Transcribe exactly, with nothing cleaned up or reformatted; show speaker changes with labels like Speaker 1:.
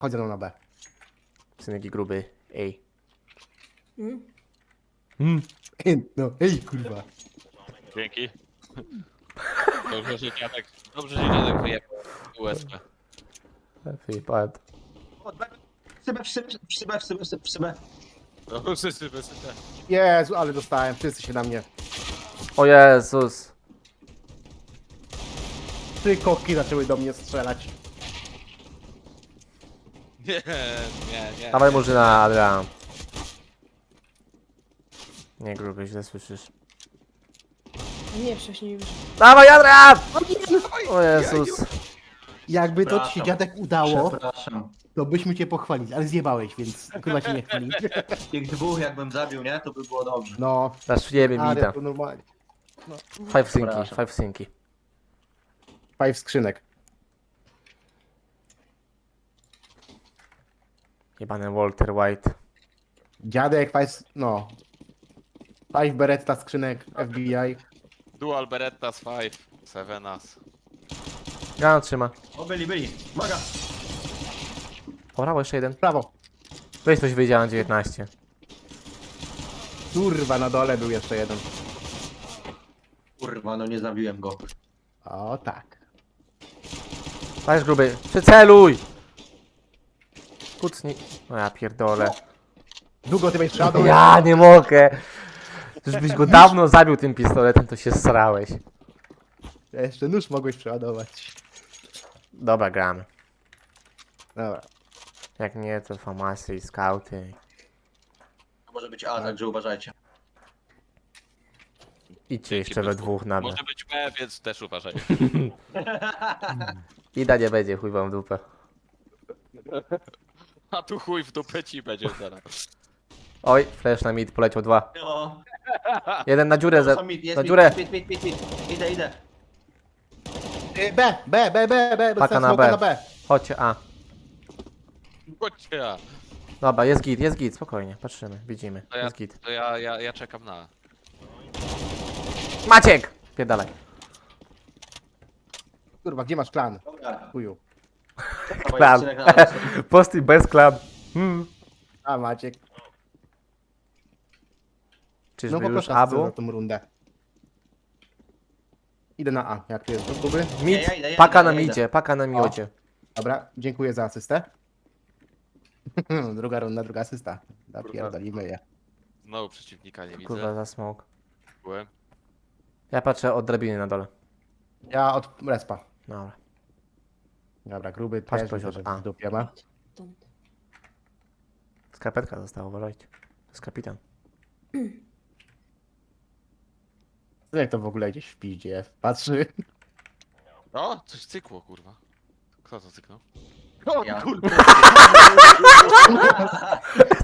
Speaker 1: Chodź ze mną na B.
Speaker 2: Synek i gruby. Ej.
Speaker 3: Mm.
Speaker 2: Mm.
Speaker 1: Ej, no, ej, kurwa.
Speaker 4: Dzięki. Dobrze, że dziadek, dobrze, że dziadek wyjechał U S P.
Speaker 2: Wyjebałem.
Speaker 5: W szybę, w szybę, w szybę, w szybę, w szybę.
Speaker 4: No, wszyscy bez sypa.
Speaker 1: Jezu, ale dostałem. Wszyscy się na mnie.
Speaker 2: O Jezus.
Speaker 1: Trzy koki zaczęły do mnie strzelać.
Speaker 4: Nie, nie, nie.
Speaker 2: Dawaj murzyna, Adrian. Nie gruby, źle słyszysz.
Speaker 3: Nie, wcześniej już.
Speaker 2: Dawaj Adrian! O Jezus.
Speaker 1: Jakby to ci się
Speaker 5: Przepraszam.
Speaker 1: dziadek udało,
Speaker 5: Przepraszam.
Speaker 1: to byśmy cię pochwalili, ale zjebałeś, więc kurwa cię nie chwali.
Speaker 5: Tych dwóch jakbym zabił, nie? To by było dobrze.
Speaker 1: No,
Speaker 2: Zaszujemy
Speaker 1: ale
Speaker 2: mida.
Speaker 1: to normalnie.
Speaker 2: Five synki,
Speaker 5: Przepraszam.
Speaker 2: five synki.
Speaker 1: Five skrzynek.
Speaker 2: Jebany Walter White.
Speaker 1: Dziadek, five, no. Five beretta skrzynek F B I.
Speaker 4: Dual Berettas five, seven as.
Speaker 2: Granat trzyma.
Speaker 5: O, byli, byli. Uwaga!
Speaker 2: O, brawo, jeszcze jeden.
Speaker 1: Prawo.
Speaker 2: Weź coś wyjdziałem dziewiętnaście.
Speaker 1: Kurwa, na dole był jeszcze jeden.
Speaker 5: Kurwa, no nie zabiłem go.
Speaker 1: O tak.
Speaker 2: Dajesz gruby. Przyceluj! Kucnij. No ja pierdolę.
Speaker 1: Długo ty będziesz przeładował?
Speaker 2: Ja nie mogę. Żebyś go dawno zabił tym pistoletem, to się srałeś.
Speaker 1: Jeszcze nóż mogłeś przeładować.
Speaker 2: Dobra, gramy.
Speaker 1: Dobra.
Speaker 2: Jak nie, to famasy i skauty.
Speaker 5: To może być A, także uważajcie.
Speaker 2: Idźcie jeszcze we dwóch na B.
Speaker 4: Może być B, więc też uważaj.
Speaker 2: Ida nie będzie, chuj wam w dupę.
Speaker 4: A tu chuj w dupę ci będzie zaraz.
Speaker 2: Oj, flash na mid, poleciał dwa.
Speaker 5: O,
Speaker 2: Jeden na dziurę, ze...
Speaker 5: są mid, jest
Speaker 2: na
Speaker 5: mid,
Speaker 2: dziurę.
Speaker 5: mid, mid, mid, mid. Idę, idę.
Speaker 1: Y, B, B, B, B, B,
Speaker 2: Paka
Speaker 1: dostałem
Speaker 2: na
Speaker 1: smoka
Speaker 2: B.
Speaker 1: na B.
Speaker 2: Chodźcie, A.
Speaker 4: Chodźcie.
Speaker 2: Dobra, jest git, jest git, spokojnie, patrzymy, widzimy.
Speaker 4: To ja,
Speaker 2: Jest git.
Speaker 4: to ja, ja, ja czekam na.
Speaker 2: Maciek! Pierdalaj.
Speaker 1: Kurwa, gdzie masz plan?
Speaker 5: Dobra.
Speaker 1: Chuju.
Speaker 2: Klan.
Speaker 5: Dawaj, odcinek na nas.
Speaker 2: Posty bez klan. Hmm.
Speaker 1: A Maciek.
Speaker 2: Czyżby
Speaker 1: No
Speaker 2: już
Speaker 1: poproszę
Speaker 2: A
Speaker 1: za
Speaker 2: było?
Speaker 1: tą rundę. Idę na A, jak tu jest do próby.
Speaker 2: Mid,
Speaker 5: ja idę, ja
Speaker 2: paka
Speaker 5: idę,
Speaker 2: na
Speaker 5: ja idę.
Speaker 2: midzie, paka na miodzie.
Speaker 1: Dobra, dziękuję za asystę. Druga runda, druga asysta. Napierdolimy je.
Speaker 4: Znowu przeciwnika nie
Speaker 2: Kurwa,
Speaker 4: widzę.
Speaker 2: za smok.
Speaker 4: Byłem.
Speaker 2: Ja patrzę od drabiny na dole.
Speaker 1: Ja od respa.
Speaker 2: Dobra.
Speaker 1: Dobra, gruby
Speaker 2: Patrz,
Speaker 1: też
Speaker 2: ktoś
Speaker 1: widzę,
Speaker 2: od
Speaker 1: że
Speaker 2: A.
Speaker 1: w dupie ma.
Speaker 3: Stąd.
Speaker 2: Skarpetka została, uważajcie. To jest kapitan.
Speaker 1: Jak to w ogóle gdzieś w piździe patrzy.
Speaker 4: O, coś cykło, kurwa. Kto to cyknął?
Speaker 5: Ja.